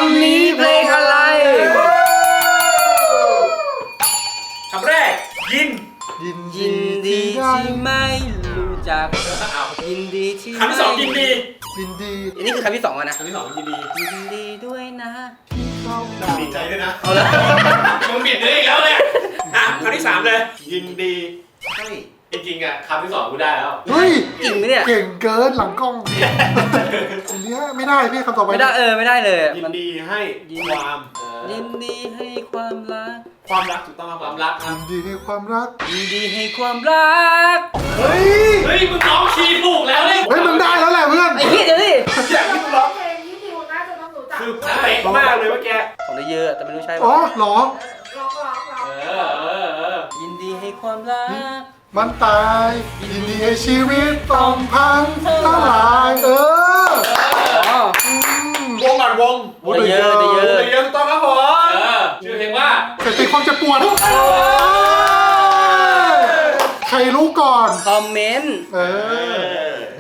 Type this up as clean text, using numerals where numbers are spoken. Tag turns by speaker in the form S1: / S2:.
S1: ำนี้เพลงอะไร
S2: คำแรกยิน
S1: ยินดีที่ไม่รู้จักยินดีที่
S2: คำที่สองยินดี
S3: ยินดี
S1: อันนี้คือคำที่สองอะนะ
S2: คำที่สองยินดี
S1: ยินดีด้วยนะ
S2: ดีใจด้วยนะ
S1: เอาละ
S2: มึงบิดเลยอีกแล้วเนี่ยคำที่สามเลยยินดีให้จริงๆอ่ะคำที่สองกูได้แล้ว
S3: เฮ้ย
S1: จริงไหมเนี่ย
S3: เก่งเกินหลังกล้องอันเนี้ยไม่ได้พี่คำต่อไป
S1: ไม่ได้ไม่ได้เลย
S2: ยินดีให้ความ
S1: ยินดีให้ความรัก
S2: ความรักถูกต้องครับความรักครั
S3: ยิ
S2: บ
S3: นดีให้ความรัก
S1: ยินดีให้ความรัก
S3: เฮ้ย
S2: เฮ้ยมึงร้องคีย์ถูกแล้วเลย
S3: เฮ้ยมันได้แล้วแหละเพื่อน
S1: ไอ้เหี้ยเดี๋ยวดิ
S2: อย่างที่มึงร้อง
S4: เพลงที่ทิวน่าจะต้องรู้จัก
S2: คือเป๊ะมากเลยเมื่อกี้
S1: ของได้เยอะแต่ไม่รู้ใช่
S3: อ๋อ
S1: ป่ะ
S3: เหรอ
S4: ร้อง
S1: ยินดีให้ความรัก
S3: มันตายยินดีให้ชีวิตต้องพังทลาย
S1: อ๋อ
S2: วงก่อนวง
S1: ได้เยอะได้เยอะ
S2: ได้เยอะถูกต้องครับผมชื่อเพลงว่า
S3: แต่ติดความเจ็บปวดใครรู้ก่อน
S1: คอมเมนต์
S3: เออ